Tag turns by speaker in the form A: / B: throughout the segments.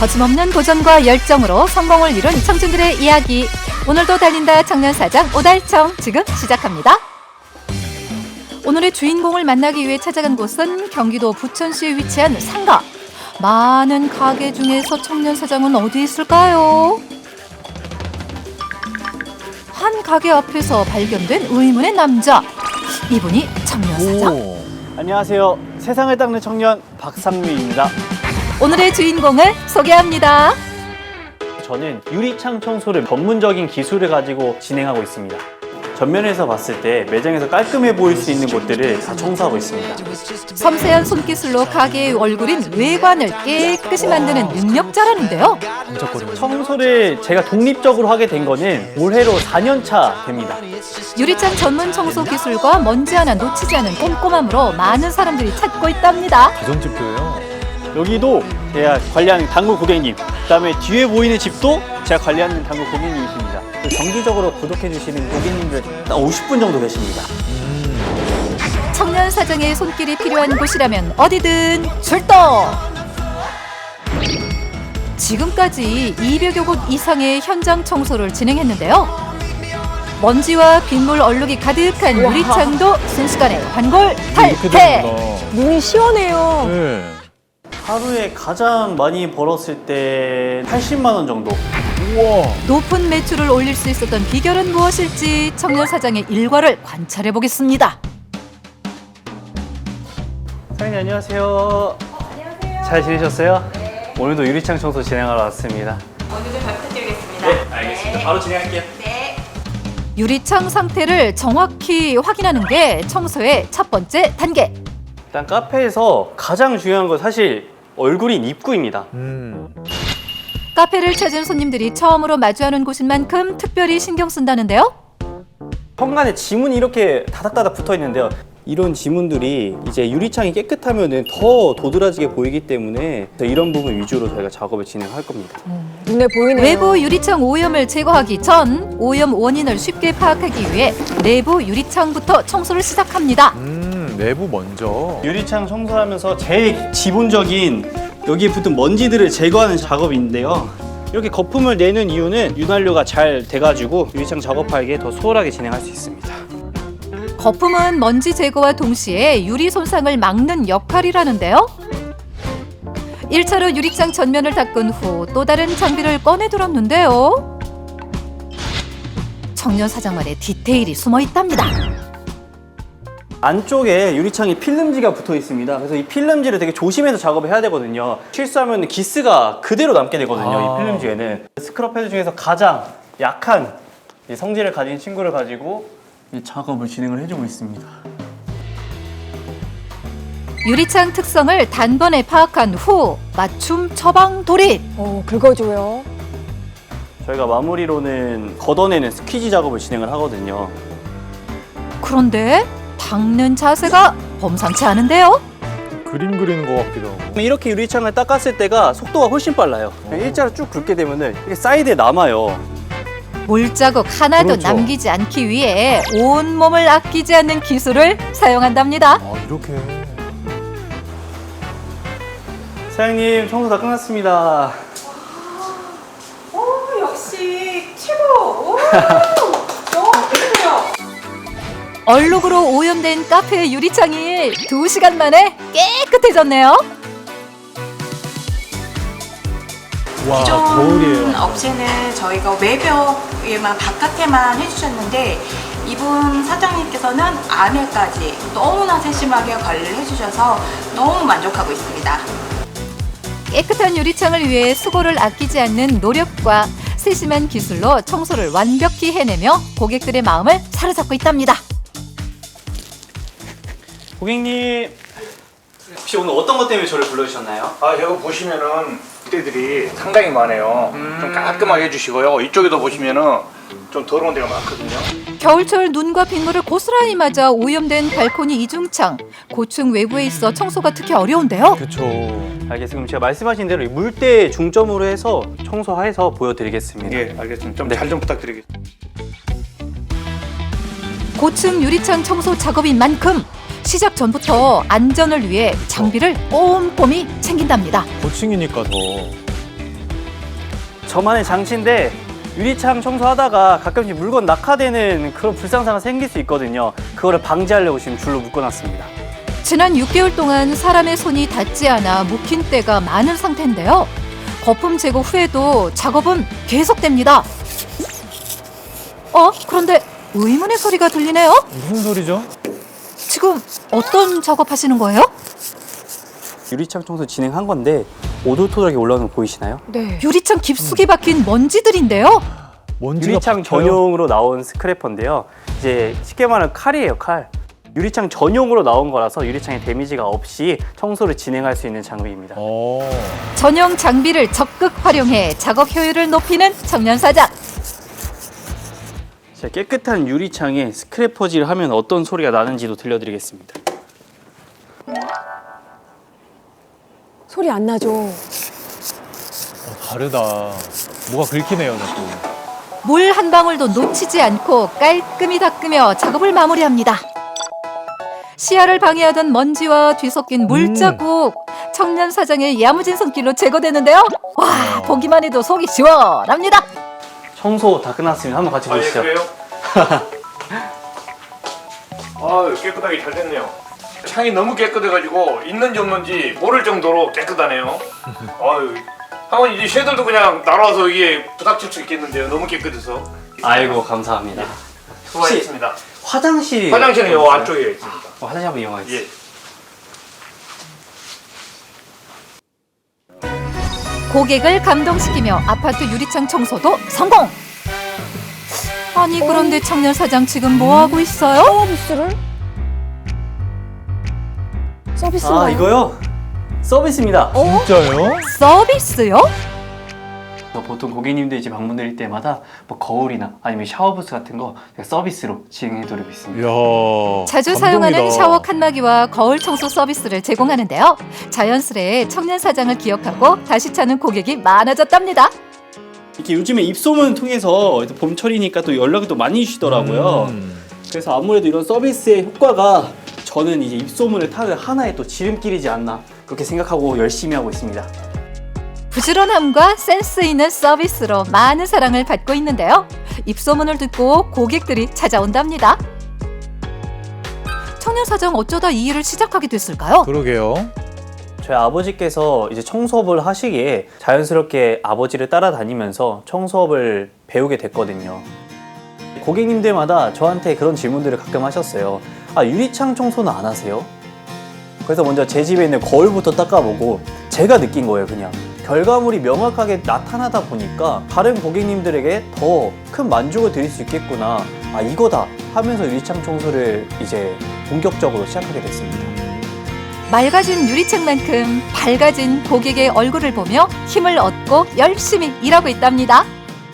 A: 거침없는 도전과 열정으로 성공을 이룬 청춘들의 이야기. 오늘도 달린다 청년사장 오달청 지금 시작합니다. 오늘의 주인공을 만나기 위해 찾아간 곳은 경기도 부천시에 위치한 상가. 많은 가게 중에서 청년사장은 어디 있을까요? 한 가게 앞에서 발견된 의문의 남자. 이분이 청년사장?
B: 안녕하세요. 세상을 닦는 청년 박상미입니다.
A: 오늘의 주인공을 소개합니다.
B: 저는 유리창 청소를 전문적인 기술을 가지고 진행하고 있습니다. 전면에서 봤을 때 매장에서 깔끔해 보일 수 있는 곳들을 다 청소하고 있습니다.
A: 섬세한 손기술로 가게의 얼굴인 외관을 깨끗이 만드는 능력자라는데요.
B: 청소를 제가 독립적으로 하게 된 거는 올해로 4년 차 됩니다.
A: 유리창 전문 청소 기술과 먼지 하나 놓치지 않은 꼼꼼함으로 많은 사람들이 찾고 있답니다.
C: 가정집도예요.
B: 여기도 제가 관리하는 당구 고객님, 그다음에 뒤에 보이는 집도 제가 관리하는 당구 고객님이십니다. 정기적으로 구독해 주시는 고객님들 50분 정도 계십니다.
A: 청년 사장의 손길이 필요한 곳이라면 어디든 출동! 지금까지 200여 곳 이상의 현장 청소를 진행했는데요. 먼지와 빗물 얼룩이 가득한 유리창도 순식간에 환골 탈태!
D: 눈이 시원해요.
C: 네.
B: 하루에 가장 많이 벌었을 때 80만 원 정도.
C: 우와.
A: 높은 매출을 올릴 수 있었던 비결은 무엇일지 청년 사장의 일과를 관찰해 보겠습니다.
B: 사장님 안녕하세요.
E: 안녕하세요.
B: 잘 지내셨어요?
E: 네.
B: 오늘도 유리창 청소 진행하러 왔습니다.
E: 오늘도 잘 부탁드리겠습니다.
B: 네, 알겠습니다. 바로 진행할게요.
E: 네.
A: 유리창 상태를 정확히 확인하는 게 청소의 첫 번째 단계.
B: 일단 카페에서 가장 중요한 건 사실 얼굴인 입구입니다.
A: 카페를 찾은 손님들이 처음으로 마주하는 곳인 만큼 특별히 신경 쓴다는데요.
B: 현관에 지문이 이렇게 다닥다닥 붙어 있는데요. 이런 지문들이 이제 유리창이 깨끗하면은 더 도드라지게 보이기 때문에 이런 부분 위주로 저희가 작업을 진행할 겁니다.
D: 눈에 보이네요.
A: 외부 유리창 오염을 제거하기 전 오염 원인을 쉽게 파악하기 위해 내부 유리창부터 청소를 시작합니다.
C: 내부 먼저.
B: 유리창 청소하면서 제일 기본적인 여기에 붙은 먼지들을 제거하는 작업인데요. 이렇게 거품을 내는 이유는 윤활유가 잘 돼가지고 유리창 작업하기에 더 수월하게 진행할 수 있습니다.
A: 거품은 먼지 제거와 동시에 유리 손상을 막는 역할이라는데요. 1차로 유리창 전면을 닦은 후 또 다른 장비를 꺼내 들었는데요. 청년 사장만의 디테일이 숨어 있답니다.
B: 안쪽에 유리창에 필름지가 붙어 있습니다. 그래서 이 필름지를 되게 조심해서 작업을 해야 되거든요. 실수하면 기스가 그대로 남게 되거든요. 이 필름지에는. 스크럽 패드 중에서 가장 약한 이 성질을 가진 친구를 가지고 이 작업을 진행을 해주고 있습니다.
A: 유리창 특성을 단번에 파악한 후 맞춤 처방 돌입.
D: 긁어줘요.
B: 저희가 마무리로는 걷어내는 스퀴지 작업을 진행을 하거든요.
A: 그런데 닦는 자세가 범상치 않은데요.
C: 그림 그리는 것 같기도 하고.
B: 이렇게 유리창을 닦았을 때가 속도가 훨씬 빨라요. 일자로 쭉 긁게 되면은 이게 사이드에 남아요.
A: 물자국 하나도
C: 그렇죠.
A: 남기지 않기 위해 온몸을 아끼지 않는 기술을 사용한답니다.
C: 이렇게.
B: 사장님 청소 다 끝났습니다.
E: 오, 역시 최고. 오, 너무 예쁘요.
A: 얼룩으로 오염된 카페의 유리창이 2시간 만에 깨끗해졌네요.
C: 와,
E: 기존
C: 거울이에요.
E: 업체는 저희가 외벽에만 바깥에만 해주셨는데 이분 사장님께서는 안에까지 너무나 세심하게 관리를 해주셔서 너무 만족하고 있습니다.
A: 깨끗한 유리창을 위해 수고를 아끼지 않는 노력과 세심한 기술로 청소를 완벽히 해내며 고객들의 마음을 사로잡고 있답니다.
B: 고객님 혹시 오늘 어떤 것 때문에 저를 불러주셨나요?
F: 여기 보시면은 부대들이 상당히 많아요. 좀 깔끔하게 해주시고요. 이쪽에도 보시면은 좀 더러운 데가 많거든요.
A: 겨울철 눈과 빗물을 고스란히 맞아 오염된 발코니 이중창, 고층 외부에 있어 청소가 특히 어려운데요.
C: 그쵸.
B: 알겠습니다. 그럼 제가 말씀하신 대로 이 물때 중점으로 해서 청소해서 보여드리겠습니다.
F: 예, 알겠습니다. 좀
B: 네.
F: 잘 좀 부탁드리겠습니다.
A: 고층 유리창 청소 작업인 만큼 시작 전부터 안전을 위해 장비를 꼼꼼히 챙긴답니다.
C: 고층이니까 더.
B: 저만의 장치인데 유리창 청소하다가 가끔씩 물건 낙하되는 그런 불상사가 생길 수 있거든요. 그거를 방지하려고 지금 줄로 묶어놨습니다.
A: 지난 6개월 동안 사람의 손이 닿지 않아 묵힌 때가 많은 상태인데요. 거품 제거 후에도 작업은 계속됩니다. 그런데 의문의 소리가 들리네요.
C: 무슨 소리죠?
A: 지금 어떤 작업하시는 거예요?
B: 유리창 청소 진행한 건데 오돌토돌하게 올라오는 거 보이시나요?
D: 네.
A: 유리창 깊숙이 박힌 먼지들인데요.
C: 먼지가
B: 유리창
C: 박혀요?
B: 전용으로 나온 스크래퍼인데요. 이제 쉽게 말하면 칼이에요, 칼. 유리창 전용으로 나온 거라서 유리창에 데미지가 없이 청소를 진행할 수 있는 장비입니다.
A: 전용 장비를 적극 활용해 작업 효율을 높이는 청년사장.
B: 자, 깨끗한 유리창에 스크래퍼질을 하면 어떤 소리가 나는지도 들려드리겠습니다.
D: 소리 안 나죠?
C: 다르다. 뭐가 긁히네요, 자꾸.
A: 물 한 방울도 놓치지 않고 깔끔히 닦으며 작업을 마무리합니다. 시야를 방해하던 먼지와 뒤섞인 물자국, 청년사장의 야무진 손길로 제거되는데요. 와, 보기만 해도 속이 시원합니다.
B: 청소 다 끝났습니다. 한번 같이 보시죠.
F: 그래요? 깨끗하게 잘 됐네요. 창이 너무 깨끗해가지고 있는지 없는지 모를 정도로 깨끗하네요. 한번 이제 쉐들도 그냥 날아와서 이게 부닥칠 수 있겠는데요. 너무 깨끗해서.
B: 아이고, 감사합니다.
F: 수고하셨습니다.
B: 화장실은
F: 화장실은 요 안쪽에 있습니다.
B: 화장실 한번 이용하겠습니다.
F: 예.
A: 고객을 감동시키며 아파트 유리창 청소도 성공! 아니 그런데 청년사장 지금 뭐하고 있어요?
D: 서비스인가요?
B: 아, 이거요? 서비스입니다.
C: 진짜요?
A: 서비스요?
B: 보통 고객님들이 이제 방문드릴 때마다 뭐 거울이나 아니면 샤워부스 같은 거 서비스로 진행해드리고 있습니다.
C: 이야.
A: 자주
C: 감동이다.
A: 사용하는 샤워 칸막이와 거울 청소 서비스를 제공하는데요. 자연스레 청년사장을 기억하고 다시 찾는 고객이 많아졌답니다.
B: 이렇게 요즘에 입소문 통해서 봄철이니까 또 연락이 또 많이 주시더라고요. 그래서 아무래도 이런 서비스의 효과가 저는 이제 입소문을 타는 하나의 또 지름길이지 않나 그렇게 생각하고 열심히 하고 있습니다.
A: 부지런함과 센스 있는 서비스로 많은 사랑을 받고 있는데요. 입소문을 듣고 고객들이 찾아온답니다. 청년사장 어쩌다 이 일을 시작하게 됐을까요?
C: 그러게요.
B: 저희 아버지께서 이제 청소업을 하시기에 자연스럽게 아버지를 따라다니면서 청소업을 배우게 됐거든요. 고객님들마다 저한테 그런 질문들을 가끔 하셨어요. 아, 유리창 청소는 안 하세요? 그래서 먼저 제 집에 있는 거울부터 닦아보고 제가 느낀 거예요, 그냥. 결과물이 명확하게 나타나다 보니까 다른 고객님들에게 더 큰 만족을 드릴 수 있겠구나. 아, 이거다 하면서 유리창 청소를 이제 본격적으로 시작하게 됐습니다.
A: 맑아진 유리창만큼 밝아진 고객의 얼굴을 보며 힘을 얻고 열심히 일하고 있답니다.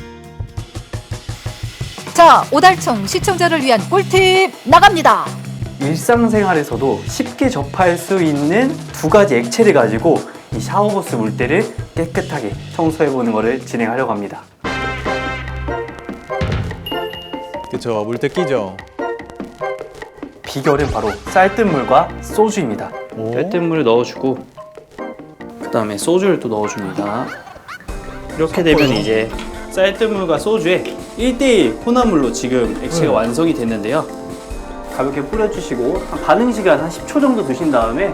A: 자, 오달청 시청자를 위한 꿀팁 나갑니다.
B: 일상생활에서도 쉽게 접할 수 있는 두 가지 액체를 가지고 이 샤워부스 물때를 깨끗하게 청소해보는 것을 진행하려고 합니다.
C: 그쵸, 물때 끼죠.
B: 비결은 바로 쌀뜨물과 소주입니다.
C: 오.
B: 쌀뜨물을 넣어주고 그 다음에 소주를 또 넣어줍니다. 이렇게 되면 이제 쌀뜨물과 소주의 1대1 혼합물로 지금 액체가 완성이 됐는데요. 가볍게 뿌려주시고 반응 시간 한 10초 정도 두신 다음에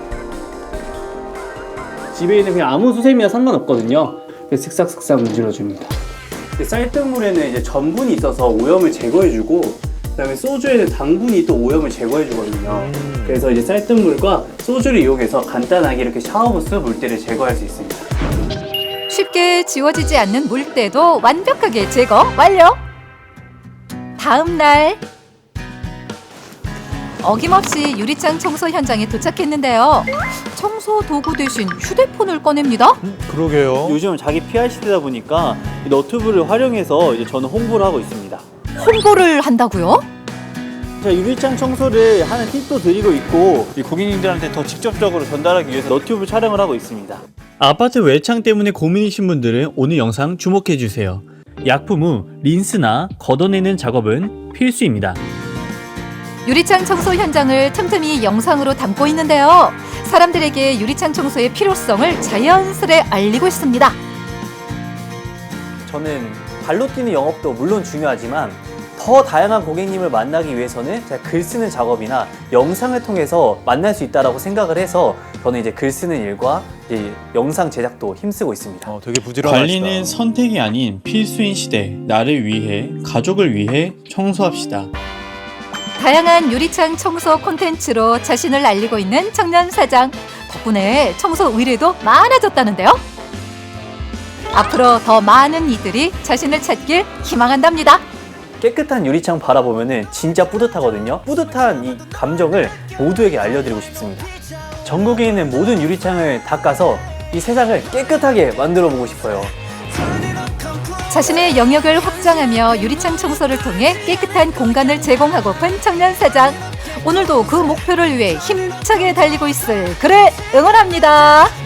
B: 집에 있는 그냥 아무 수세미와 상관없거든요. 그래서 슥싹슥싹 문질러줍니다. 쌀뜨물에는 이제 전분이 있어서 오염을 제거해주고 그다음에 소주에는 당분이 또 오염을 제거해주거든요. 그래서 이제 쌀뜨물과 소주를 이용해서 간단하게 이렇게 샤워부스 물때를 제거할 수 있습니다.
A: 쉽게 지워지지 않는 물때도 완벽하게 제거 완료! 다음 날 어김없이 유리창 청소 현장에 도착했는데요. 청소 도구 대신 휴대폰을 꺼냅니다.
C: 그러게요.
B: 요즘은 자기 PR 시대다 보니까 이 너튜브를 활용해서 이제 저는 홍보를 하고 있습니다.
A: 홍보를 한다고요?
B: 제가 유리창 청소를 하는 팁도 드리고 있고 이 고객님들한테 더 직접적으로 전달하기 위해서 너튜브 촬영을 하고 있습니다.
G: 아파트 외창 때문에 고민이신 분들은 오늘 영상 주목해주세요. 약품 후 린스나 걷어내는 작업은 필수입니다.
A: 유리창 청소 현장을 틈틈이 영상으로 담고 있는데요. 사람들에게 유리창 청소의 필요성을 자연스레 알리고 있습니다.
B: 저는 발로 뛰는 영업도 물론 중요하지만 더 다양한 고객님을 만나기 위해서는 제가 글 쓰는 작업이나 영상을 통해서 만날 수 있다고 생각을 해서 저는 이제 글 쓰는 일과 이제 영상 제작도 힘쓰고 있습니다.
C: 되게 부지런하시다.
G: 관리는 선택이 아닌 필수인 시대. 나를 위해, 가족을 위해 청소합시다.
A: 다양한 유리창 청소 콘텐츠로 자신을 알리고 있는 청년 사장. 덕분에 청소 의뢰도 많아졌다는데요. 앞으로 더 많은 이들이 자신을 찾길 희망한답니다.
B: 깨끗한 유리창 바라보면은 진짜 뿌듯하거든요. 뿌듯한 이 감정을 모두에게 알려드리고 싶습니다. 전국에 있는 모든 유리창을 닦아서 이 세상을 깨끗하게 만들어 보고 싶어요.
A: 자신의 영역을 확장하며 유리창 청소를 통해 깨끗한 공간을 제공하고픈 청년 사장. 오늘도 그 목표를 위해 힘차게 달리고 있을 그를 응원합니다.